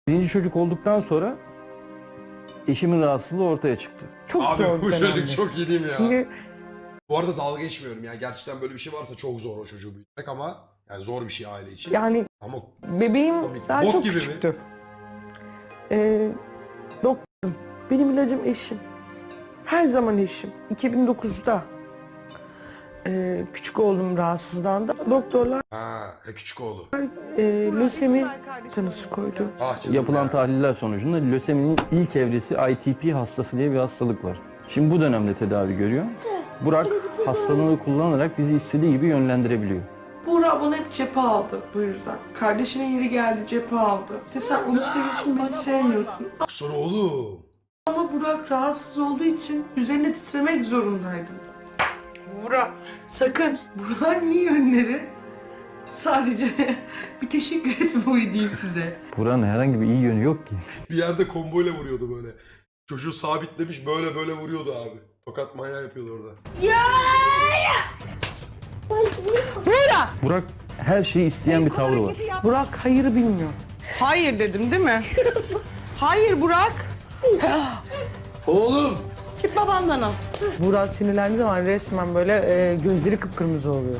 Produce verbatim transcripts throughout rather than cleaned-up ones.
Birinci çocuk olduktan sonra eşimin rahatsızlığı ortaya çıktı. Çok Abi zor bu bir çocuk dönemdi. çok iyi değil mi ya? Çünkü Bu arada dalga geçmiyorum ya. Gerçekten böyle bir şey varsa çok zor o çocuğu büyütmek ama yani zor bir şey aile için. yani Ama bebeğim Komik. daha Bok çok gibi mi? küçüktü. Ee, doktorum. Benim ilacım eşim. Her zaman eşim. iki bin dokuzda ee, küçük oğlum rahatsızlandı. Doktorlar ha, e, küçük oğlu. e, lösemi tanısı koydu. Ah canım Yapılan ya. tahliller sonucunda löseminin ilk evresi I T P hastası diye bir hastalık var. Şimdi bu dönemde tedavi görüyor. Burak hastalığını kullanarak bizi istediği gibi yönlendirebiliyor. Buğra bana hep cephe aldı bu yüzden. Kardeşine yeri geldi cephe aldı. İşte sen onu seviyorsun, beni sevmiyorsun. Sonra oğlum. Ama Burak rahatsız olduğu için üzerine titremek zorundaydım. Burak sakın. Burak'ın iyi yönleri sadece bir teşekkür etme huyu diyeyim size. Burak'ın herhangi bir iyi yönü yok ki. Bir yerde komboyla vuruyordu böyle. Çocuğu sabitlemiş böyle böyle vuruyordu abi. Tokat manyağı yapıyordu orada. Burak! Burak her şeyi isteyen bir tavrı var. Burak hayırı bilmiyor. Hayır dedim değil mi? Hayır Burak. Oğlum! Git babandan al. Burak sinirlendiği zaman resmen böyle e, gözleri kıpkırmızı oluyor.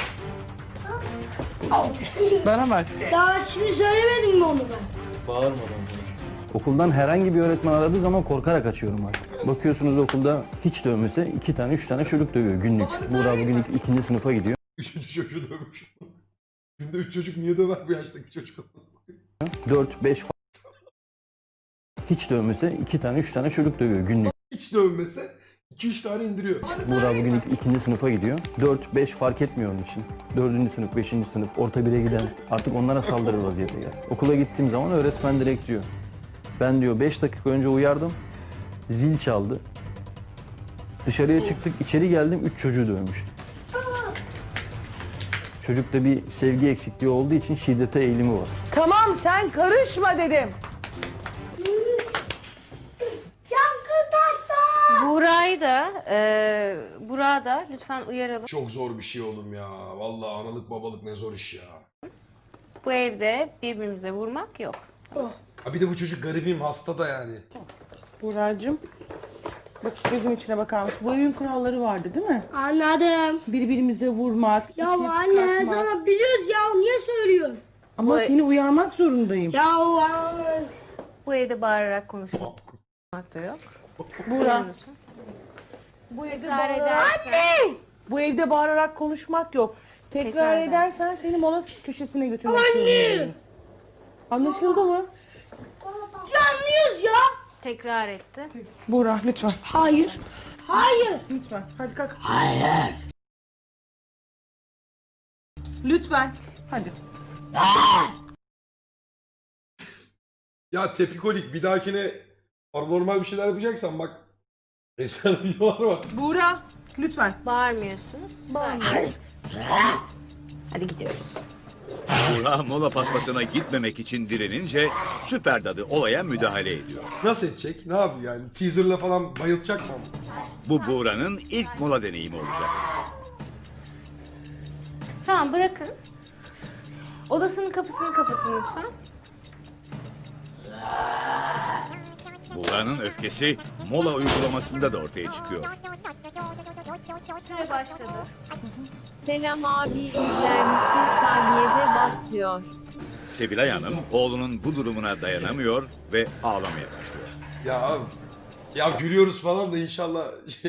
Bana bak. Daha şimdi söylemedim mi onu ben? Okuldan herhangi bir öğretmen aradığı zaman korkarak açıyorum artık. Bakıyorsunuz okulda hiç dövmese iki tane üç tane çocuk dövüyor günlük. Burak bugün ik- ikinci sınıfa gidiyor. Üçüncü çocuğu dövmüş. Günde üç çocuk niye döver bu yaştaki çocuk? Dört beş fa- hiç dövmese iki tane üç tane çocuk dövüyor günlük. Hiç dövmese iki üç tane indiriyor. Burak bugün ik- ikinci sınıfa gidiyor. Dört beş fark etmiyor onun için. Dördüncü sınıf, beşinci sınıf, orta bire giden artık onlara saldırır vaziyete gel. Okula gittiğim zaman öğretmen direkt diyor. Ben diyor beş dakika önce uyardım. Zil çaldı. Dışarıya çıktık, içeri geldim, üç çocuğu dövmüştü. Çocukta bir sevgi eksikliği olduğu için şiddete eğilimi var. Tamam sen karışma dedim. Yankı taşlar! Burayı da, e, Burak'ı da lütfen uyaralım. Çok zor bir şey oğlum ya. Vallahi analık babalık ne zor iş ya. Bu evde birbirimize vurmak yok. Ha bir de bu çocuk garibim hasta da yani. Buğra'cığım. Bak gözüm içine bakar mısın? Bu evin kuralları vardı değil mi? Anladım. Birbirimize vurmak, Ya itip anne her kalkmak. zaman biliyoruz ya niye söylüyorsun? Ama Bu- seni uyarmak zorundayım. Ya anne. Bu evde bağırarak konuşmak da yok. Buğra. Bu evde Tekrar edersen. Bu evde bağırarak konuşmak yok. Tekrar, Tekrar edersen seni mola köşesine götürmek zorundayım. Anlaşıldı mı? Ya anlıyoruz ya. Tekrar etti. Buğra lütfen. Hayır. Hayır. Lütfen. Hadi kalk. Hayır. Lütfen. Hadi. Ya tepikolik bir dahakine paranormal bir şeyler yapacaksan bak. Efsane videolar var. Buğra lütfen. Bağırmıyorsunuz. Hadi gidiyoruz. Burak mola paspasına gitmemek için direnince Süper Dadı olaya müdahale ediyor. Nasıl edecek? Ne yapıyor yani? Teaserla falan bayılacak mı? Bu Buğra'nın ilk mola deneyimi olacak. Tamam bırakın. Odasının kapısını kapatın lütfen. Buğra'nın öfkesi mola uygulamasında da ortaya çıkıyor. Süre başladı. Selam abi izler misin? Saniyede basıyor. Sevilay Hanım oğlunun bu durumuna dayanamıyor ve ağlamaya başlıyor. Ya ya gülüyoruz falan da inşallah şey...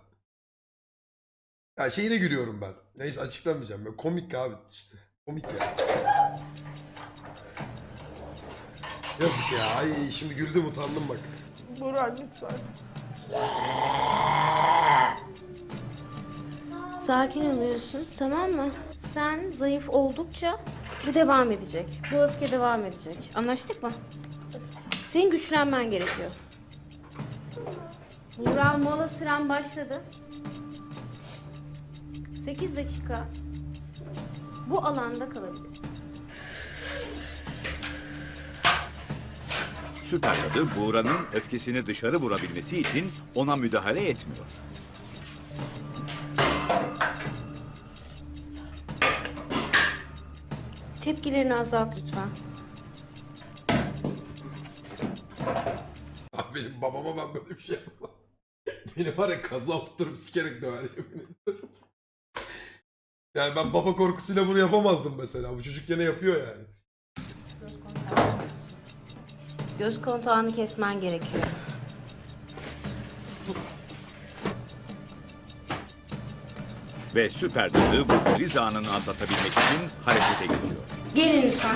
Ya şeyine gülüyorum ben. Neyse açıklamayacağım. Ben komik abi işte. Komik ya. Yazık ya. Ay şimdi güldüm utandım bak. Buğra lütfen. Sakin oluyorsun, tamam mı? Sen zayıf oldukça bu devam edecek. Bu öfke devam edecek. Anlaştık mı? Senin güçlenmen gerekiyor. Burak mola süren başladı. sekiz dakika bu alanda kalabilirsin. Süper Dadı Buğra'nın öfkesini dışarı vurabilmesi için ona müdahale etmiyor. Tepkilerini azalt lütfen. benim babama ben böyle bir şey yapsam. Beni var ya kaza tuturup sikerek döver yemin ediyorum. Yani ben baba korkusuyla bunu yapamazdım mesela. Bu çocuk gene yapıyor yani. Göz kontağını kesmen gerekiyor. Ve süper dadı bu kriz anını atlatabilmek için harekete geçiyor. Gelin lütfen.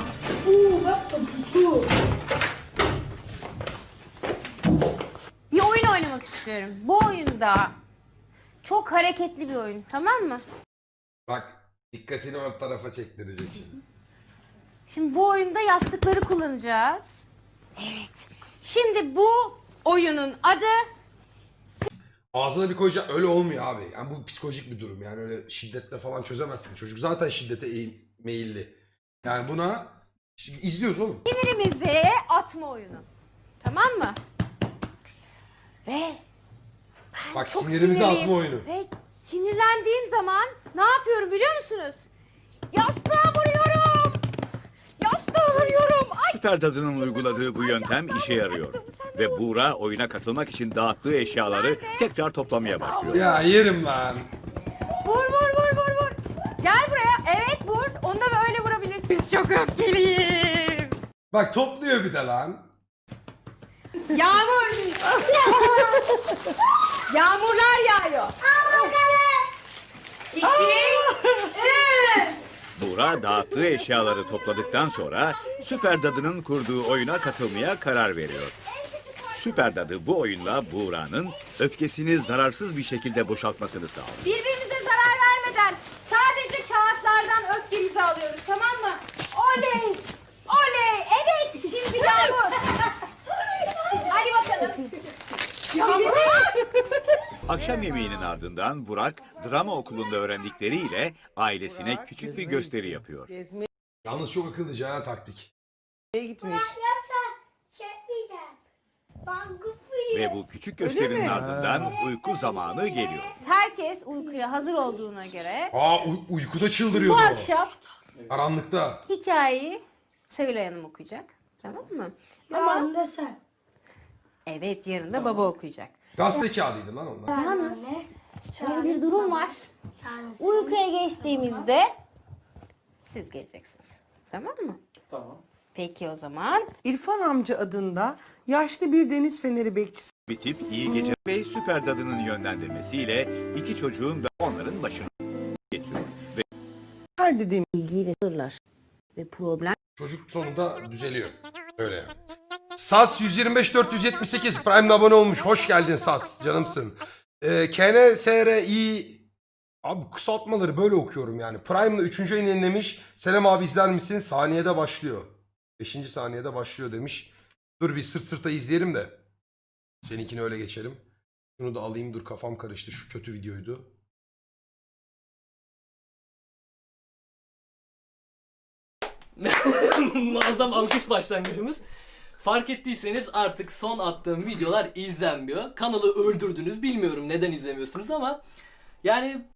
Bir oyun oynamak istiyorum. Bu oyunda çok hareketli bir oyun, tamam mı? Bak dikkatini o tarafa çektirecek şimdi. Şimdi bu oyunda yastıkları kullanacağız. Evet. Şimdi bu oyunun adı Ağzına bir koyacak öyle olmuyor abi. Yani bu psikolojik bir durum. Yani öyle şiddetle falan çözemezsin. Çocuk zaten şiddete eğim- meyilli. Yani buna şimdi izliyoruz oğlum. sinirimizi atma oyunu. Tamam mı? Ve ben Bak çok sinirimizi sinirliyim. atma oyunu. Ve sinirlendiğim zaman ne yapıyorum biliyor musunuz? Yastığa vuruyorum. Yastığa vuruyorum. Ay, Süper dadının uyguladığı bu yöntem işe yarıyor. Ve Buğra oyuna katılmak için dağıttığı eşyaları tekrar toplamaya başlıyor. Ya yerim lan. vur vur vur vur vur. Gel buraya. Evet vur. Onu da böyle vurabilirsin. Biz çok öfkeliyiz. Bak topluyor bir de lan. Yağmur. Yağmurlar yağıyor. İki, üç. Buğra dağıttığı eşyaları topladıktan sonra Süper Dadı'nın kurduğu oyuna katılmaya karar veriyor. Süper Dadı bu oyunla Buğra'nın öfkesini zararsız bir şekilde boşaltmasını sağlıyor. Birbirimize zarar vermeden sadece kağıtlardan öfkemizi alıyoruz, tamam mı? Oley! Oley! Evet! Şimdi Yağmur! Hadi bakalım. Yağmur! Akşam yemeğinin ardından Burak drama okulunda öğrendikleriyle ailesine küçük bir gösteri yapıyor. Gezmeye Yalnız çok akıllıca ha taktik. gitmiş. Çekmeyeceğim. Ben gıpıyım. Ve bu küçük gösterinin mi? ardından uyku zamanı geliyor. Herkes uykuya hazır olduğuna göre Aa uy- uykuda bu çıldırıyordu o. akşam Karanlıkta. hikayeyi Sevilay Hanım okuyacak. Tamam mı? Tamam da sen. Evet, yarın da baba okuyacak. Gazete kağıdıydı lan onlar. Yalnız şöyle bir durum var. Tanesi. Uykuya geçtiğimizde siz geleceksiniz. Tamam mı? Tamam. Peki o zaman. İrfan amca adında yaşlı bir deniz feneri bekçisi Bitip iyi gece ve Süper Dadı'nın yönlendirmesiyle iki çocuğun da onların başına geçiyor. Ve var dediğim. Bilgi ve sırlar ve problem. Çocuk sonunda düzeliyor. Öyle. Sas yüz yirmi beş dört yüz yetmiş sekiz Prime'le abone olmuş. Hoş geldin Sas. Canımsın. Ee, K N S R I Abi kısaltmaları böyle okuyorum yani. Prime'la üçüncü ayını yenilemiş. Selam abi izler misin? Saniyede başlıyor. beşinci saniyede başlıyor demiş. Dur bir sırt sırta izleyelim de. Seninkini öyle geçelim. Şunu da alayım, dur kafam karıştı. Şu kötü videoydu. Muazzam alkış başlangıcımız. Fark ettiyseniz artık son attığım videolar izlenmiyor. Kanalı öldürdünüz. Bilmiyorum neden izlemiyorsunuz ama yani